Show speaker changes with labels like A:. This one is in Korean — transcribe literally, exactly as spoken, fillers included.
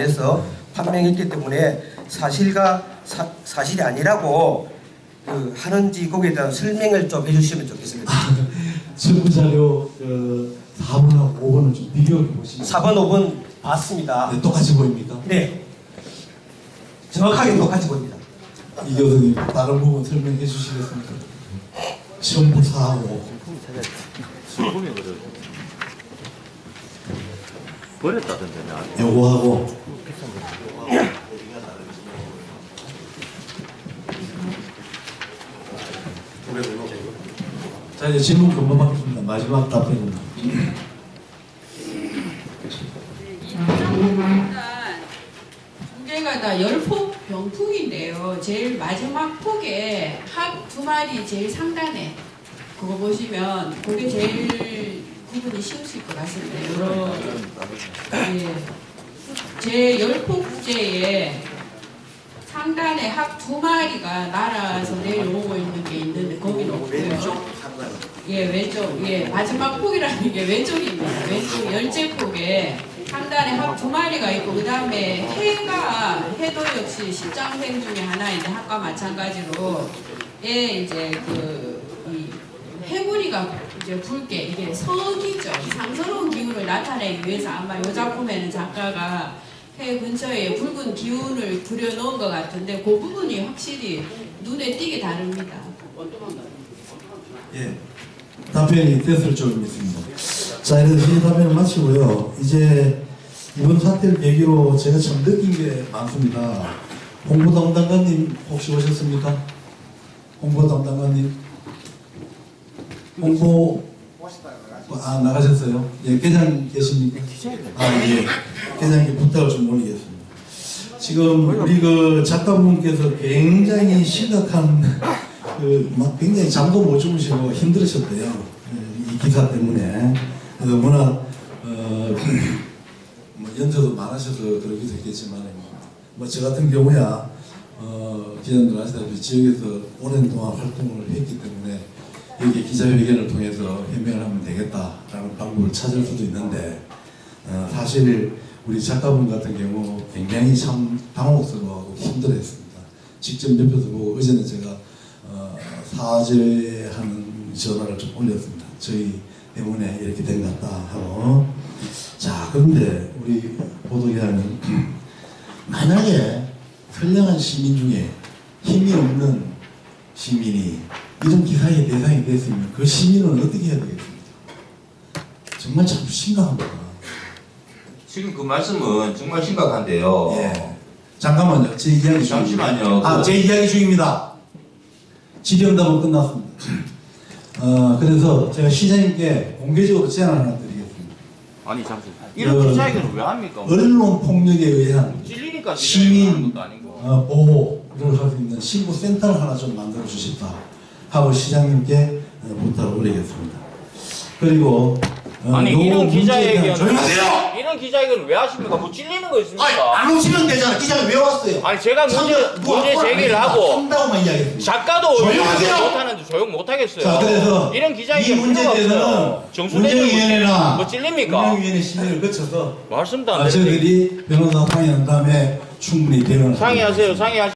A: 통해서 판명했기 때문에 사실과 사, 사실이 아니라고 그 하는지 거기에 대한 설명을 좀 해주시면 좋겠습니다.
B: 정부자료 그 사 번하고 오 번을 좀 비교해 보시면
A: 사 번, 오 번 봤습니다.
B: 네, 똑같이 보입니까?
A: 네. 정확하게 똑같이 보입니다.
B: 이 교수님 다른 부분 설명해 주시겠습니까? 시험부 사하고
C: 술품이 그래. 버렸다던데 나.
B: 요거하고 자 이제 질문 금방 받겠습니다. 마지막 답변입니다.
D: 일단 두 개가 다 열폭 병풍인데요. 제일 마지막 폭에 합 두 마리 제일 상단에 그거 보시면 그게 제일 구분이 쉬우실 것 같습니다. 여러 예. 제 열폭제에 상단에 합 두 마리가 날아서 내려오고 있는 게 있는데 거기는 없고요. 예, 왼쪽, 예, 마지막 폭이라는 게 왼쪽입니다. 왼쪽 열째 폭에 상단에 합 두 마리가 있고, 그 다음에 해가, 해도 역시 십장생 중에 하나인데, 합과 마찬가지로, 예, 이제 그, 이 해구리가 이제 붉게, 이게 석이죠. 상서로운 기운을 나타내기 위해서 아마 이 작품에는 작가가 해 근처에 붉은 기운을 그려놓은 것 같은데, 그 부분이 확실히 눈에 띄게 다릅니다.
B: 예, 답변이 됐을 줄 믿습니다. 자, 이래서 이 답변을 마치고요. 이제 이번 사태를 계기로 제가 참 느낀 게 많습니다. 홍보담당관님 혹시 오셨습니까? 홍보담당관님? 홍보 아 나가셨어요? 예, 계장 계십니까? 아 예, 계장님께 부탁을 좀 올리겠습니다. 지금 우리 그 작가분께서 굉장히 심각한 그 막 굉장히 잠도 못 주무시고 힘들으셨대요. 이 기사 때문에. 그래서 워낙 어, 뭐 연세도 많으셔서 그러기도 했겠지만 뭐 저 같은 경우야 어, 기자님들 아시다시피 지역에서 오랜 동안 활동을 했기 때문에 여기 기자회견을 통해서 해명을 하면 되겠다라는 방법을 찾을 수도 있는데 어, 사실 우리 작가분 같은 경우 굉장히 참 당혹스러워하고 힘들어했습니다. 직접 옆에서 보고 어제는 제가 어, 사죄하는 전화를 좀 올렸습니다. 저희 때문에 이렇게 된 것 같다 하고. 자, 그런데 우리 보도기자는 만약에 선량한 시민 중에 힘이 없는 시민이 이런 기사의 대상이 됐으면 그 시민은 어떻게 해야 되겠습니까? 정말 참 심각합니다.
C: 지금 그 말씀은 정말 심각한데요.
B: 예. 잠깐만요. 제 이야기 중.
C: 잠시만요.
B: 아, 제 이야기 중입니다. 질의응답은 끝났습니다. 어, 그래서 제가 시장님께 공개적으로 제안을 하나 드리겠습니다.
C: 아니 잠시. 이런
B: 그,
C: 기자회견을 왜 합니까?
B: 언론 폭력에 의한
C: 찔리니까
B: 시민
C: 것도 아니고.
B: 어, 보호를 할 수 있는 신고 센터를 하나 좀 만들어 주십사 하고 시장님께 어, 부탁을 올리겠습니다. 그리고 어,
C: 아니 이런 기자회견
B: 조용히 하세요!
C: 이런 기자회견 왜 하십니까? 뭐 찔리는 거 있습니까?
B: 아니, 안 오시면 되잖아. 기자가 왜 왔어요?
C: 아니 제가 문제 문제 제기를 하고
B: 한다고만 이야기했습니다.
C: 작가도
B: 조용하세요!
C: 못하는데 조용 못하겠어요.
B: 자, 그래서
C: 이런
B: 이
C: 기자회견
B: 문제에 대해서는 운영위원회나
C: 뭐 찔립니까?
B: 운영위원회 심의를 거쳐서
C: 말씀도 안
B: 아,
C: 되는데
B: 저희들이 변호사 상의한 다음에 충분히 대응을
C: 상의하세요. 상의하세요.